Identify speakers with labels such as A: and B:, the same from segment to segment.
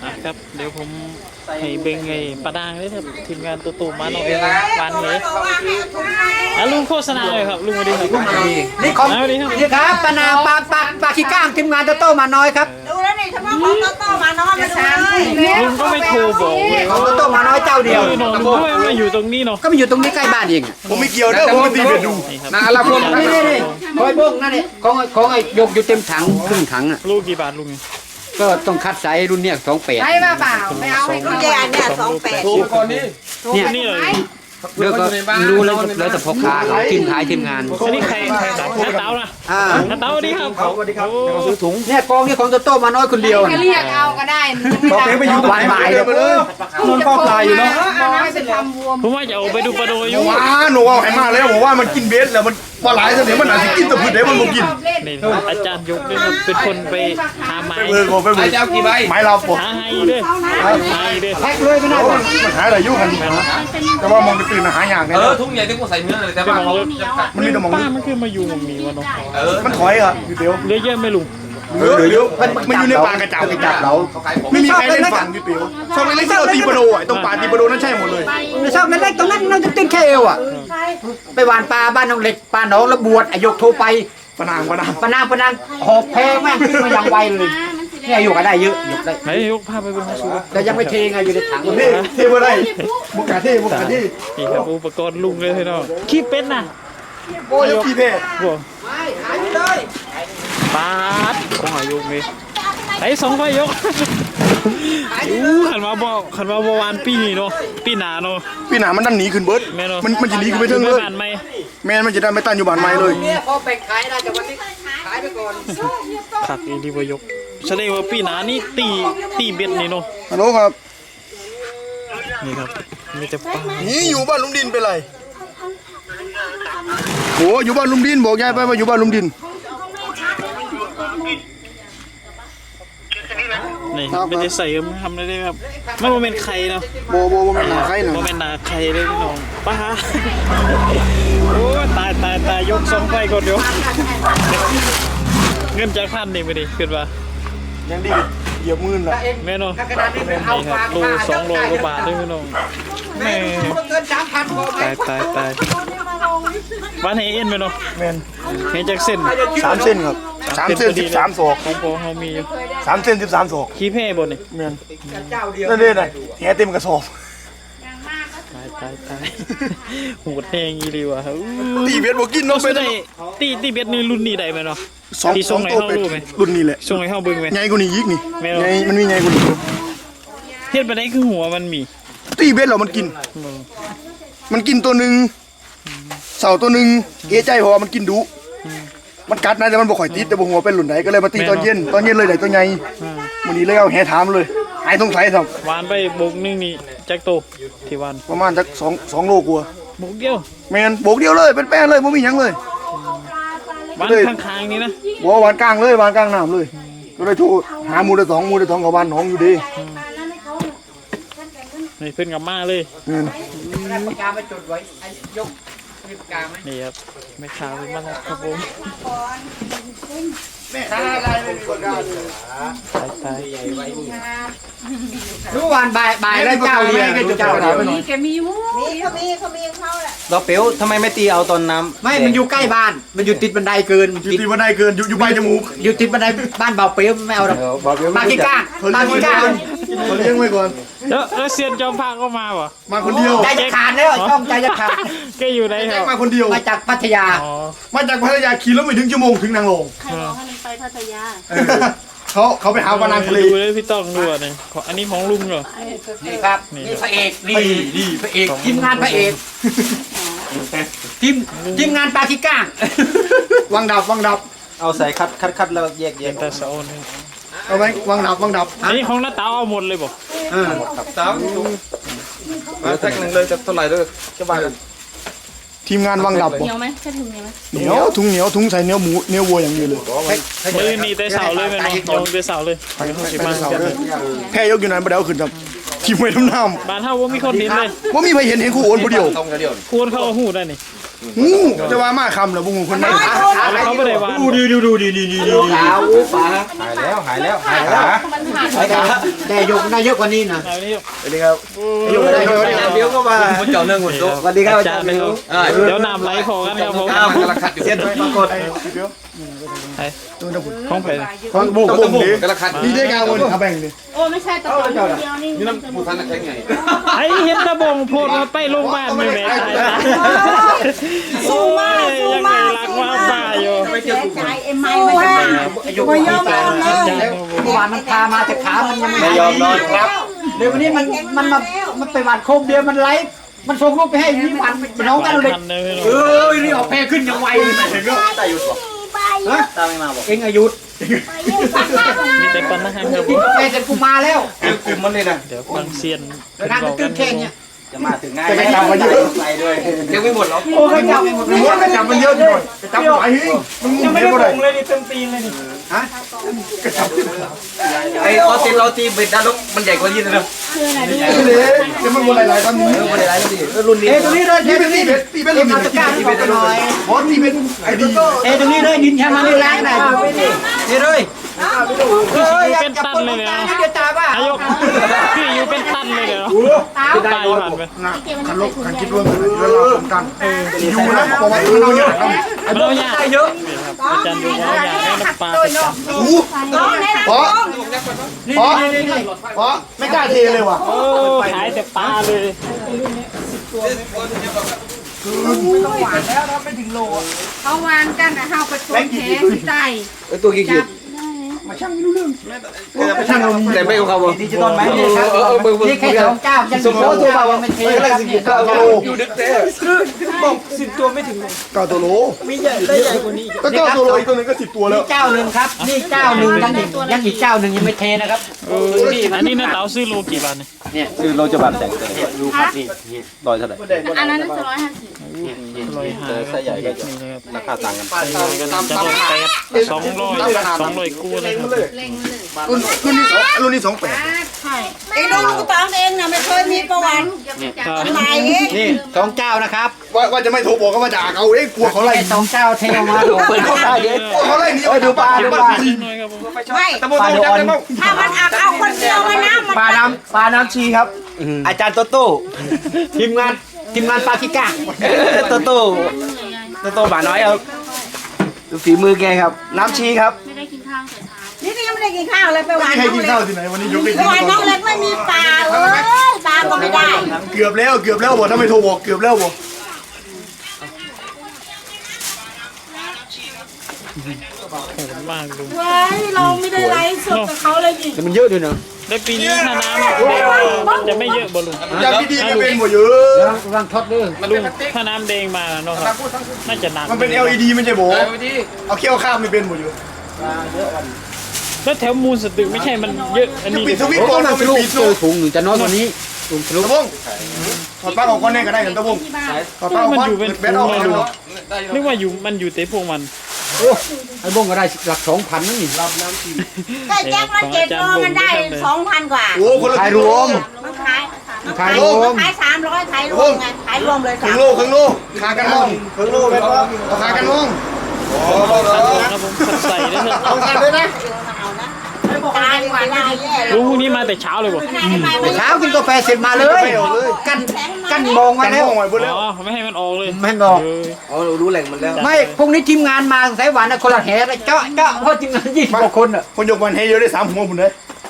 A: ครับเดี๋ยวผมให้เบงไงปลาดางเลยครับทีมงานตัวตูมาหน่อยหวานเลยลุงโฆษณาเลยครับลุงสวัสดีครับลุง
B: นี่ของ
A: สวัสดีครับ
B: นี่ครับปานาปลาขี้ก้างทีมงานโตมาน้อยครับ
C: ดูแล้วนี่เฉพาะของโตมาน้อยมาดูเลย
A: ลุงก็ไม่โทรบอกเลย
B: ของโตมาน้อยเจ้าเดียว
A: น้องลุงก็ไม่อยู่ตรงนี้เนาะ
B: ก็มาอยู่ตรงนี้ใกล้บ้านเอง
D: ผมไม่เกี่ยวเด้อผมมาตีเบ็ดดู
A: นี่ครับ
D: นะละพวก
B: นี่คอยบ้งนั่นนี่ของไอ้ยกอยู่เต็มถังครึ่งถังอ่ะ
A: ลูกกี่บาทลุง
B: ก็ต้องคัดไซส์รุ่นเนี้ย28
C: ใช่ป่ะเปล่าไม่เอาให้คุณยายเนี่ย28
D: ถูกก่อนนี้
B: เนี่ย
A: นี่เลย
B: เดี๋ยวก็รู้แล้วแต่พ่อค้าเขาทีมขายทีมงาน
A: อันนี้ใครน้าเต้านะน้าเต้าสวัสดีครับสวัสดีครับซื้อถุง
B: เนี่ยกองนี่ของโตมาน้อยคนเดียว
C: จะเรียกเอาก็ได้
D: ต่อไปอยู่บ้านใหม่เลยนอนเฝ้าปลาอยู่เนาะ
C: ไม่เป็นทำวัว
A: ผมว่าจะเอาไปดูปลาโดอยู่
D: ว้าหนูเอาให้มาแล้วบอกว่ามันกินเบ็ดแล้วมันปลาไหลเสน่ห์มันอาจจะกินแต่พืชเดี๋ยวมันบ่กิน
A: นี่อาจารย์ยกด้วยครับเป็นคนไปหาไม้
D: ไปเบิกไปเบิกเจ้ากี่ใบไม้เราปก
A: หาไฮด้วยหาไฮด้วย
B: แพ็คเลยไม่ได้
D: มันหาอะไรยุ่งกันแต่ว่ามองไปตื่นหาอย่างเนี่ย
E: ทุ่งใหญ่ที่กูใส่เนื้อเลยแต่ว่า
D: มันมีแต่มอง
A: ป้ามันคือมาอยู่ตรงนี้วะเนาะ
D: มันถอยอ่ะพี่เปียว
A: เยอะแยะไม่ลุง
D: เหลือเยอะมันอยู่ในป่ากระเจ้ากระจับเราไม่มีใครเล่นฝั่งพี่เปียวช่องเล็กๆที่เราตีปลาโดอ่ะตรงป่าตีปลาโดนั่นใช่หมดเลย
B: ไม่ชอบเล็กๆตรงนั้นน้องจะติ้นแค่เอวอ่ะไปหวานปลาบ้านน้องเล็กปลาน้องแล้วบวชยกโทรไป
D: ปะนาง
B: ปะนางหอบแพงแม่งขึ้นมาอย่างไวเลยเนี่ยอยู่กันได้เยอะยกได้
A: ไหนยกผ้าไปบนสูง
B: แต่ยังไม่เทไงอยู่ในถัง
D: เท่เท่บ่ได้บุกกาเท่บุกกาเท่
A: นี่ครับอุปกรณ์ลุงเลยพี่น้องขี้เป็ดน่ะ
D: โอ้ยพี่เท่
A: บวกปาดของอายุนี่ไอ้สองใบยกขันมาบ่วานปีนี้เนาะปีหนาเนาะ
D: พี่หนามันดันหนีขึ้นเบิร์ด
A: แม่เนาะ
D: มันจะหนีขึ้นไปเทิงเลย
A: บ้านไหม
D: แม่มันจะได้ไม่ตั้งอยู่บ้านไม้เลย
B: เนี่ยพอไปขายได้แต่วันนี้ขายไปก่อน
A: ขักอีดีวายกแสดงว่าปีหนานี่ตีเบ็ดนี่เนาะ
D: ฮัลโหลครับ
A: นี่ครับมีแต่ปลา
D: นี่อยู่บ้านลุงดินเป็นไรโหอยู่บ้านลุงดินบอกยายไปว่าอยู่บ้านลุงดิน
A: นี่ไม่ได้ใส่ทำได้ครับไม่ว่าเป็นไข่เนาะ
D: โบมันหนาใครหนา
A: ว่าเป็นนาไข่เลยพี่น้องป้าโอ้ตายยกสองไฟก่อนเดี๋ยวเงินจากพันนี่ไม่ดีขึ้นมา
D: ยังดีเหยียบมือละ
A: แม่น้อง
B: กระดาษนี่เป็นเอา
A: นี่ครับโล200 กว่าบาทด้วยพี่น้องแม่
B: เกิน3,000พอไหม
A: ตายบ้านเฮเอ็นไหมเนาะ
D: แมน
A: เฮจากเส้น
D: 3 เส้นครับ3 เส้น13ศอก
A: ของพอเขามีอยู่
D: 3 เส้น13ศอก
A: ขี้เพ่บนนี่
D: แมน
B: เจ้าเดียว
D: นั่นเองนะแหเต็มกระสอบ
A: ตายโหดแหงอีดีว่ะ
D: ตีเบ็ดบอกกินเนาะ
A: ไม่
D: เป็น
A: ได้ตีเบ็ดนี่รุ่นนี้ได้ไหมเนาะ
D: สอง
A: ที่ส่งไหน
D: ตัว
A: เข้า
D: เป็ด
A: รู้ไหม
D: รุ่นนี้แหละ
A: ส่งไหนเข้าบึงไหม
D: ใหญ่กว่านี้อีกนี่
A: ไม่เอา
D: ใหญ่มันมีใหญ่กว่านี้
A: เฮ็ดไปได้คือหัวมันมี
D: ตีเบ็ดเรามันกิน มันกินตัวหนึ่งเสาตัวหนึ่งเอใจเพราะว่ามันกินดุมันกัดนะแต่มันบ่ข่อยติดแต่บ่หัวเป็นหลุนไหนก็เลยมาตีตอนเย็นเลยได้ตัวใหญ่วันนี้เลยเอาแหถามเลยหายสงสัยครับ
A: วานไปบกนึงนี่แจ็คโตที่วาน
D: ประมาณสัก2 โลกว่า
A: บกเดียว
D: แมนโบกเดียวเลยเป็นแป้นเลยไม่มีหยังเลยว
A: านข้างๆนี่นะ
D: บัววานกลางเลยวานกลางน้ำเลย ก็เลยโทรหาหมูเดสองกับวานหนองอยู่ดี
A: นี่เพิ่นกลับมาเลย
D: แม่น
B: ปากกามาจดไว้ยกมีปากกาไหม
A: นี่ครับไม่ขาวเป็นมาแล้วครับผม
D: ถ้าอะไรไม่มีคนกล้าเลย
A: ตาย
B: รู้วันบ่ายแล้วเจ้าเดียวเจ้าเดียว
C: มีแกมีมูเขามีเขาแหละ
E: เราเปียวทำไมไม่ตีเอาตอนน้ำ
B: ไม่มันอยู่ใกล้บ้านมันอยู่ติดบันไดเกิน
D: อยู่ตีบันไดเกินอยู่ใบจมูก
B: อยู่ติดบันไดบ้านเบาเปี้ยวไม่เอาหรอกมาขี้ก้าง
D: เขา
B: มา
D: เลี้ยง
B: ขี้
D: ไว้
B: ก้าง
D: ก่อนเขาเลี้ยงไว้ก่อน
A: แล้วเซียนจอมพาก็มาบ่
D: มาคนเดียว
B: ใจจะขาดแล้วต้องใจจะขาด
A: แกอยู่ไหนครับ
D: มาคนเดียว
B: มาจากพัทยา
A: อ๋อ
D: มาจากพัทยาขี่รถไม่ถึงชั่วโมงถึงนางรอง
C: ใครบอกให้มันไปพัทยา
D: เขาไปหาปลานางทะเล
A: ดูเลยพี่ต้องดูอ่ะนี่อันนี้ของลุงเหรอ
B: นี่ครับนี่พระเอกนี่พระเอกทีมงานพระเอกทีมงานปลาขี้ก้าง
D: วังดับ
E: เอาใส่คัดแล้วแยก
A: เป็นตาเสานี่
D: เอาไว้วังดับ
A: อันนี้ของน้าเต๋าเอาหมดเลยบ่
E: สามมาแท็กหนึ่งเลยจะเท่าไหร่เลยจะบาท
D: ทีมงานวังดับ
C: เหนียวไหมแค่ถุงเหนียวไหม
D: เหนียวถุงใส่เนื้อหมูเนื้อวัวอย่างเดียวเลย
A: มือนี่แต่เสาเลยแม่น้องยงแต่เสาเลยไปเขาสิมากัน
D: แพ้ยกอยู่นั้นบ่ได้เอาขึ้นครับทีมไว้น้ำ
A: บ้านเฮาบ่มีคนเห็นเลย
D: ว่ามีใครเห็นคู่โอนผู้เดียว
E: ตรงกันเดียว
A: ควรเข้าหูได้นี่
D: จะว่ามาคำเหรอบุ้งคนนั้น
A: เขาไม่ได้วาน
B: ดูขาวปลา
E: หายแล้วหายแล้วหายขา
B: ไอ้กาแต่ยกได้เยอะกว่านี้นะ
A: เอานี่
D: สวัสดีครับ
B: ยกได้เยอะกว่านี้
E: เดี๋ยวก็มาคุณเจ้าเนื่องหมดตัว
B: สวัสดีครับอา
A: จา
B: จาร รย์
A: ย์เลยครับเดี๋ยวน้ำไหลพอกันครับผม
E: อ้าวกำลังขัดอยู่เส้น
D: ปรากฏเดี๋ยว
A: ตัวตะบุของไป
D: ฟังบุ้ง
E: ตะบุกกำลังขัด
D: นี่ได้กาวมันเอาแบ่งดิ
C: โอ้ไม่ใช่ตะโกนเดียวนี่
E: นี่น้ำผู้ทันแข็งไง
A: ไอ้เห็นตะบงโพดมาไปโรงพยาบาลไม่แม่ตายนะยังไงรักว่าบ้าอยู่
C: ใจเอ็มไอไม่ได้
B: ไม่ยอมนอนเลยเมื่อวานมันพามาแต่ขามันยังไม่ยอมนอนครับเดี๋ยววันนี้มันไปหวานโคมเดียวมันไลฟ์มันส่งรูปไปให้นี่วันน้องกันเลยนี่ออกแพขึ้นยังไวเลยเห็นไหมตาหยุดบอกฮะตาไม่มาบอกเอ็งอายุ
A: มีแต่ปัญหาครับ
B: กินกาแฟเสร็จกูมาแล้ว
E: กลุ่มมันเลยนะ
A: เดี๋ยวฟังเซียน
B: การตื่นแค่เนี้ย
E: จะมาถึงง่ายไม่จับมันเยอะไปด้วยยังไม่หมดหรอ
B: โอ้ยจับไม่หมดเลย
D: หัวกระจับมันเยอะหน่อยกระจับไหวมึงยังไม่ได้ลงเลย
B: ฮะ
E: ไอ้เราตีเบ็ดด้านลบมันใหญ่กว่ายี่นะ
D: เลยจะมันวนหลายๆตอนนี้
E: มันได้หลายดิรุ่นนี้
B: เอ้ตรงนี้เลย
D: นี่เป็นนี่เป็นตีเป็นรุ่น
B: มาตะการที่เป็นหน่อย
D: บอสนี่เป็นไอ้ดี
B: เอ้ตรงนี้เลยดินแค่มันนี่แรงหน่อยนี่เลย
A: เป็นตันเลยเนาะ
B: เดี๋ยวตาบ้า
A: อายกพี่อยู่เป็นตันเลยเนาะตายผ่านไป
D: ขันลบขันคิดร่วมกันเวลาสำคัญอยู่นะบอกว่าเราเยอะครับ
A: มันเอายากเยอะอาจารย์ดูเอายากให้น้ำปลาไปจับ
D: เพราะไม่กล้าเทเลยว่ะ
A: โอ้ขายแต่ปลาเลย
C: เขาวานกันนะเฮาไปตัวแขนใจ
E: ตัวกี่ขีด
D: มาช่างไม่รู้เรื่อง
E: ไม่ช่างแต่ไม่เขาบอก
B: ดิจิตอลไหมนี่ครับนี่แค่สองเจ้ายังสมมติว่ามันเทแล้วสิบเก้าโล
E: อยู่ดึกเต้
D: เก้าตัวโลไม่ใหญ่ได้ใหญ่กว่านี้ก็เก้าตัวโลอีกตัวนึงก็10ตัวแล้ว
B: เจ้าหนึ่งครับนี่เจ้าหนึ่งยังอีกเจ้าหนึ่งยังไม่เทนะครับ
A: อันนี้นะเต๋าซื้อโลกี่บาทเนี่ย
E: คือเราจะบาดแตกดูครับนี่ลอยเท่าไหร่
C: อันนั้น150
A: 150
E: ไส้ใหญ่ก็จะ
A: นี่นะครับ
E: ราคาต่างกัน
A: จะลด8 200เลยครับ
C: เล็งเลย
D: รุ่นนี้28
C: ใช่
F: เองดูลูกตองเองนะไม่เคยมีประวัติ
A: ครับ
F: ทำไมเอง
B: นี่สองเจ้านะครับ
D: ว่าจะไม่โทรบอกก็มาด่าเขากลัวเขาไล่
B: แค่สองเจ้าเทออกมาเปิดเข้าได้เดี๋ยว
D: เขาไล่หนีดูปลาดูปลา
A: น้อยครับผม
F: ไม่
D: ตะโมตะโมจับได้มั้ง
F: ถ้ามันอักเอาคนเดียวมานะมัน
B: ปลาน้ำชีครับ อาจารย์โตโต้ทีมงานปาคิก้า
E: โตโตบาน้อยครับดูฝีมือแกครับ น้ำชีครับ
C: ไม่ได้กินข้าวแต่เช้า
F: นี่ก็ยังไม่ได้กินข้าวเลยไปหวาน
D: ให้
F: น้อง
D: กิน
F: เล็
D: ข้าว
F: ก
D: ที่ไหนวันนี้ยกไป
F: ไปหวานน้องเล็กไม่มีปลาปลาก็ไม่ได้
D: เกือบแล้วบอกถ้าไม่โทรบอกเกือบแล้วบอก
A: โหดมากลุง
C: เว้ยเราไม่ได้ไลฟ์สดกับเขาเลยดิ
B: แต่มันเยอะด้วยเนาะ
A: ได้ปีนี้ถ้าน้ำมันจะไม่เยอะบอลลุง
D: อย่างดีๆก็เป็นหมดเยอะ
B: วางทอดด้วย
A: ลุงถ้าน้ำแดงมาเนาะครับน่าจะหนัก
D: มันเป็น LED มันจะโบเอาเขี้ยวข้ามไม่เป็นหมดอยู่
A: แล้วแถวมูลสตึกไม่ใช่มันเยอะอัน
D: จะ
A: นี้
D: ปิดสวิตช์ก่อนมันปิด
B: เจอถุงหนึ่งจะน้อยกว่านี้ถุงทะลุ
D: ตะวงถอดปลั๊กออกก่อนแน่ก็ได้กันตะวงถอดปลั๊กออก
A: มัน
D: ก่อน
A: อยู่เป็น
D: แบตออก
A: เลย
D: ก่อน
A: ลุงนึกว่าอยู่มันอยู่แต่พวกมัน
B: ไอ้บงก็ได้หลัก2,000นั่นนี่
F: ก็แจ็คมัน7 โลมันได้ 2,000 กว่า
D: โอ้คนละ
B: ขายรวม
F: มันขาย
B: ขายรวม
F: ขาย300ขายรวมไงขายรวมเลย
D: ครึ่งโลขากันมองครึ่งโลเป็นว่าเอาขากันมองโอ้โห
A: ครับผมใส่ได้เถอะ
D: เอากันด้วยนะ
F: ตายกว่าได้แย่
A: ลุงพรุ่งนี้มาแต่เช้าเลยบ่
B: เช้ากินกาแฟเสร็จมาเลยกันมองมา
D: กัน
B: แล้
D: ม
B: ว
D: องไว้บนแล้ว
A: อ๋อไม่ให้มันออกเลย
B: ไม่บอก
E: อ๋อรู้แหล่งมันแล้ว
B: ไม่พรุ่งนี้ทีมงานมาสายหวานนะคนละแห่เลยเจาะเพราะทีมงาน20กว่าคนอ่ะ
D: คนยกวันให้เยอะได้3 หัวผมเลย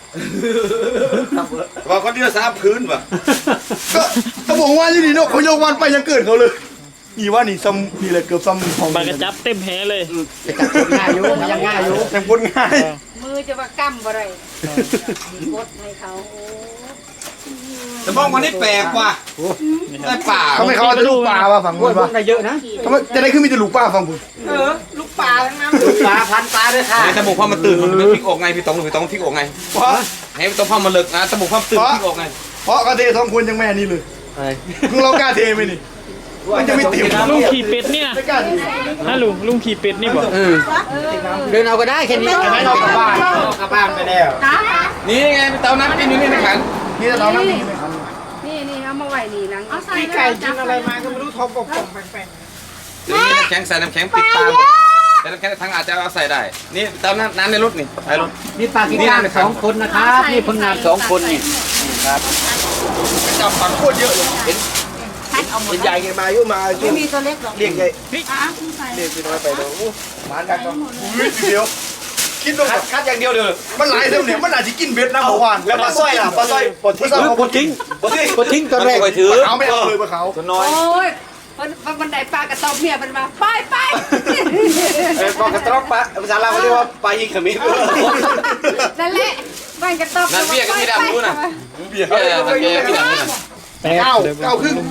E: ว่าคนเดียว3 คืนว่ะ
D: ก็ต้องบอกว่าที่นี่เนาะเขายกวันไปยังเกิดเขาเลยนี่ว่านี่ซ้ำนี่เลยเกือบซ้ำของ
A: ปากกระจับเต็มแหเลย
B: จะจับคนง่ายอยู่ยังง่ายอยู่
D: แต่พ้นง่าย
C: มือจะว่ากำบ่ได้กดให้เขา
E: แต่บ้องวันนี้แปลกว่ะได้ป่า
D: เขาไม่เขาจะลูกปลาว่ะฝั่ง
B: โอ้
D: นู้
B: ย
D: น
B: พว
D: ว่ะ
B: กได้เยอะนะ
D: ทำไมจะได้ขึ้นมีแต่ลูกปลาฝั่งผม
C: ลูกปลาทั้งนั้น
B: ปลาพันปลาด้วยค่ะ
E: ตะบุกพ่อมันตื่นมันพลิกออกไงพี่ตองพลิกออกไง
D: เพราะ
E: ให้ตองพ่อมันเลิกนะตะบุกพ่อตื่นพลิกออกไง
D: เพราะกระเทสองคนยังแม่นี่เลยมึงเรากล้าเทไหมนี่มันจะไม่เต็ม
A: ลุงขี่เป็ดนี่นะ
D: ไม่กล้าเท
A: ฮะลุงขี่เป็ดนี่บ่
B: เดินเอาก็ได้แค่นี้เรากลับบ้านกลับบ้านไปแล้ว
E: นี่ไงเตาน้ำกินอยู่นี่ในขัน
D: นี่เรานั่งนี่
C: นี่เอามาไว้นี่นังเอาใส่
F: ไก่กินอะไรมาก็ไม่รู้ท้องป่องแปลง
G: หรือมีน้ำแข็งใส่น้ำแข็งปิดตาหมดแต่น้ำแข็งทั้งอาจจะเอาใส่ได้นี่เติมน้ำในรถนี่ใส่รถ
B: นี่ปลากีก้างสองคนนะครับนี่ผลงาน2 คนนี่ครับ
D: จับปังโคตรเยอะเลยเห็นใหญ่ไงมาอยู่มา
C: ไม่มีตัวเล็กหรอก
D: เรียกไงเรียกพี่น้อยไปดูหมานกันก็เดียวคิดดูคัดอย่างเดียวเลยมันหลายเท่าเนี่ยมันอาจจะกินเบ็ดนะเมื่อวานแล้วปลาสร้อยล่ะปลาสร้อยปลาทิ้งปลาทิ้งตัวแรกเขาไม่เอาเลยปลาเขาตัวน้อย
C: โอ้ยมันได้ปลากระตอบเมียมันมาไป
E: ปลากระตรอกปลาภาษาลาวเขาเรียกว่าปลายิงขมิ้น
C: นั่นแหละมันกระตอบ
G: นั่นเบี้ยก็พี่ดำรู้นะ
D: เบียร์
G: เออนั่นเบี้ยพี่ดำรู้นะ
D: เก้าครึ่ง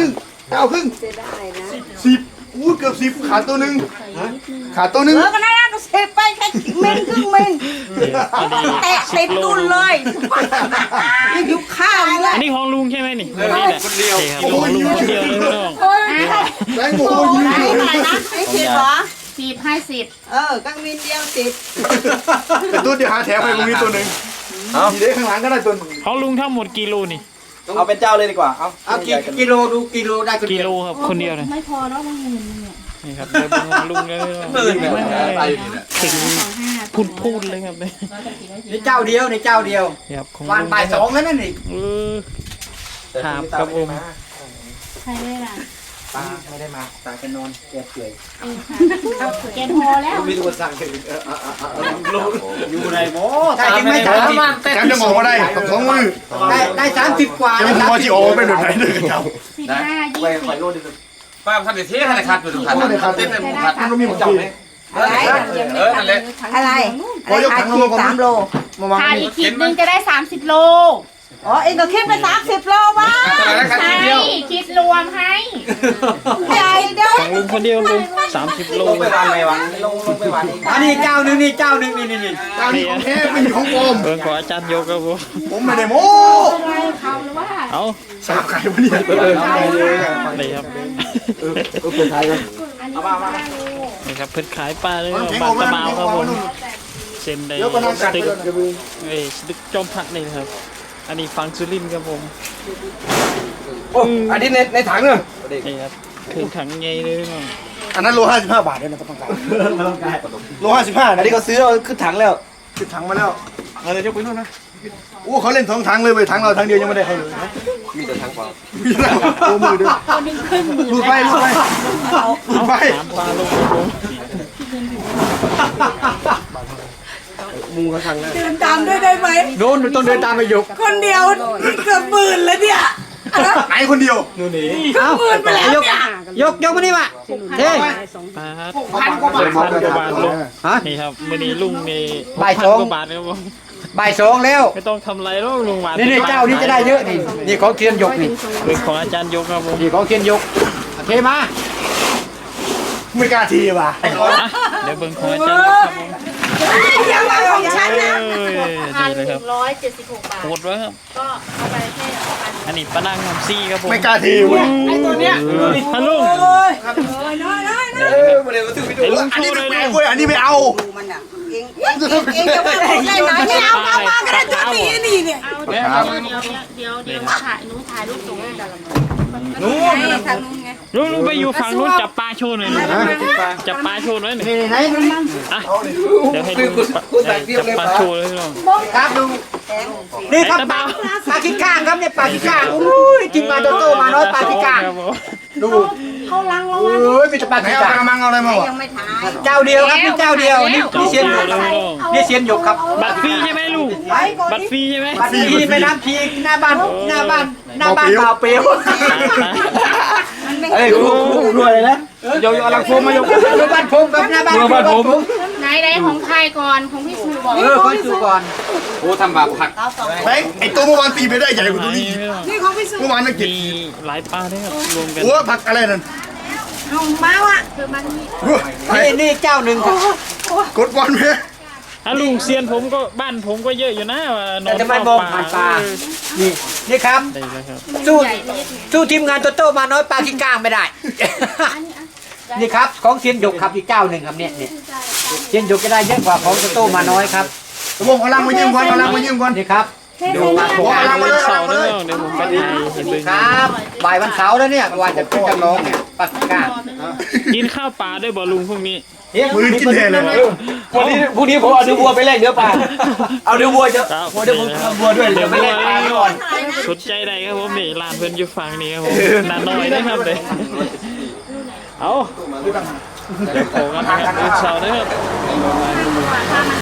D: 10อู้เกือบ10ขาดตัวนึงขาดตัวนึง
F: ก็ได้ก็เสพไปแค่เมนครึ่งเมนแตะเต็มตุ้นเลยนี่อยู่ข้าวเลย
A: อันนี้ของลุงใช่ไหมนี่วันนี้แหละคนเดียวครับของลุงคนเดียวเลยพี่น้อง
D: แรงโง่ยิง
F: เท่าไหร่นะ10เหรอ
C: 10
F: กังมินเดียว10
D: แต่ตัวเดียวหาแถมให้ตรงนี้ตัวนึงทีเด็กข้างหลังก็ได้ตัว
A: ของลุงทั้งหมดกิโลนี่
E: เอาเป็นเจ้าเลยดีกว่าเอา
B: กิโลดูกิโลได้คน
A: กิ
B: เดียว
A: โลครับคนเดียวเลย
C: ไม่พอเนาะมันเงินเนี่ย
A: นี่ครับเดี๋ยวเป็นของลุงเลยถึงพูดเลยครับ
B: นี่เจ้าเดียวนี่เจ้าเดียว
A: ครับของ
B: วันบ่าย2แล้วนั่นนี่
A: ครับครับผม
C: ใครได้ล่ะ
B: ป้าไม่ได้มาตาแกนอนแกเปื่อย
C: แกนพอแล้ว
E: มีตัวสั่งถึงอยู่ในหม้อ
B: ได้จริงไหม30
D: การจะมองว่าได้สองมือ
B: ได้30 กว่า
D: จะมองที่โอเป็นแบบไหนเลยเจ้า
C: 15
E: ไปไฟโลดดิ
G: ป้าทำเดี๋ยวเที่ยงให้ขาดอยู่ทุกขันเต้นเลยหมดขัน
D: มันก็มีหมดจับไหม
F: อะไร
G: นั่นแหละ
F: อะไร
D: ขอยกถังลงก่อน
F: 3 โล
D: มาวาง
C: ขาดอีกขีดนึงจะได้30 โล
F: อ๋อเองก็คิดไป30 โลวะ
G: ขันทีเดียว
C: คิดรวมให้
F: ใหญ่เด้อ
A: ของลุงคนเดียวลุง30 โล
E: ลงไปวางไหนวะลงไปวาง
B: อันนี้เจ้านึงนี่เจ้านึงนี่
D: เจ้านี่ของแท้ไม่มีของปลอม
A: เบิ่งขออาจารย์โยกครับผม
D: ผมไม่ได้โม้
C: อะไรเขาหรือว่า
A: เอา
D: สาบไก่วะเนี่ย
A: เลยครับ
E: เป็นไทยกัน
C: อันนี้15 โล
A: นี่ครับเพิ่นขายปลาเลยปลาตะเมาครับผมเส้นได้สตึกสตึกจอมพักนี่ครับอันนี้ฟังสุรินทร์ครับผม
E: โอ้อันนี้ในถังเนอะ
A: นี่ครับเครื่องถังใหญ่เลยพี่น้อง
D: อันนั้นโล55 บาทเลยนะต้องการโล55
E: อันนี้เขาซื้อเอาขึ้นถังแล้ว
D: ติดถังมาแล้วเอาเลยยกไปนู่นนะโอ้เขาเล่น2 ถังเลยเว้ยถังเราถังเดียวยังไม่ได้ใครเลยนะ
E: มีแต่ถังเปล่า
D: มีแต่โอ้มือด้วยลูดไป
A: เอาถามปลาลงครับผม
E: มุงเขาถังแล้ว
F: เดินตามด้วยได้ไหม
B: โน่นต้องเดินตามไปยก
F: คนเดียวเกือบหมื่นแล้วเนี่ย
D: ไหนคนเดียว
B: เอายกมานี่มาเท่
A: ปลา6,000 กว่าบาทลง
B: ฮะ
A: นี่ครับมื้อนี้ลุงนี่
B: บ่าย
A: 6,000
B: สอง
A: กว่าบาทครับผม
B: บ่าย2แล้ว
A: ไม่ต้องทำไรหรอกลุงหวาน
B: นี่เจ้านี้จะได้เยอะนี่ของเทียนยกนี่
A: เป็นของอาจารย์ยกครับผม
B: นี่ของเทียนยกเทมา
D: ไม่กล้าทีว่ะ
A: อ่ะเดี๋ยวเบิ่งของอาจารย์ยกครับผม
F: อย่ามาของฉันนะ
A: ดีเลยครับ
C: 176 บาท
A: โหดไว้ครับ
C: ก็เอาไปแค่1,000
A: อันนี้ปลานั่งน้ำซี่ครับผม
D: ไม่กล้าทีว่ะ
A: ฮัลโหล
E: มาเดี๋ยวซื้อไปดู
A: ไอ้ลุง
D: อัน
A: โช
D: นี้
A: ว์
D: ไม่
A: เลย
D: แปลกเว้ยอันนี้ไม่เอา
F: มันอ่ะเองจะไม่ได้ไหนไม่เอามาก็ได้ตัวนี้นี่เนี่ย
C: เดี๋ยวถ่ายรูปส่งให้กันละนู้นทางนู้นไง
A: ลุงไปอยู่ฝั่งนู้นจับปลาโชว์หน่อยนะจับปลาโชว์หน่อยหนึ่ง
B: นี่ไหน
A: อ่ะเดี๋ยวให้ลุงจับปลาโชว์เลยน้อง
B: ครับดูนี่ครับปลาขี้ก้างครับเนี่ยปลาขี้ก้างอุ้ยกินมาโตมาน้อยปลาขี้ก้างดู
C: เขาลังเรา
B: โอ้ยมีแต่ปลา
D: ไหน
B: ขี้
D: เอา
B: ก้าง
D: กระมังเอาอะไรมาวะ
F: ยังไม่ถ่าย
B: เจ้าเดียวครับนี่เจ้าเดียวนี่เซียนหยกนี่เซียนหยกครับ
A: บัตรฟรีใช่ไหมลุงบัตรฟรีใช่ไหม
B: บัตรพีไปน้ำพีหน้าบ้านบ่าวเปรี้ยว
E: เอ้ยคู่ด้วยเลยนะยกลังโฟมมายก
B: บ้านผมกับหน้าบ้านผม
C: ไหนของใครก่อนของพี่สูบอก
B: คอยดูก่อน
G: โอ้ทำบาปผัก
D: แบงค์ไอตัวเมื่อวานตีไปได้ใหญ่กว่าตัวนี้
F: นี่ของพี่สุ
D: เมื่อวานนั่งกิน
A: มีหลายปลาด้วยครับรวมกัน
D: โอ้ผักอะไรนั่น
F: เอามาว่ะ
C: คือมันมี
B: นี่เจ้าหนึ่งครับ
D: กดบอลไหม
A: ถ้าลุงเซียนผมก็บ้านผมก็เยอะอยู่นะนอน
B: จะไม่มองผ่านปลานี่ครับ
A: ได้เลยครับ
B: สู้ทีมงานโตโต้มาน้อยปลาขี้ก้างไม่ได้ นี่ครับของเซียนหยกครับอีกเจ้าหนึ่งครับเนี่ยเซียนหยกจะได้เยอะกว่าของโตโต้มาน้อยครับ
D: วงพลังมายืมก่อนพลังมายืมก่อน
B: นี่ครับดูปลา
D: โอ้พลังมาเลย
A: เสาร์ด้วยเดี๋ยวผมไปถ่ายเห็นเลย
B: ครับบ่ายวันเสาร์แล้วเนี่ยวันจะขึ้นจำลองเนี่ยปลาขี้ก้าง
A: กินข้าวปลาด้วยบ่ลุงพวกนี้
D: มือกินแทนเลย
E: วันนี้พรุ่งนี้ผมเอาเนื้อวัวไปแลกเนื้อปลาเอาเนื้อวัวจะเดี๋ยวผมทำวัวด้วยเดี๋ยวไปแลกปลาก่อน
A: สนใจใดครับผมนี่ร้านเพิ่นอยู่ฝั่งนี้ครับผมนาน้อยนะครับเลยเอาเดี๋ยวโผล่กันนะครับเช้านะครับ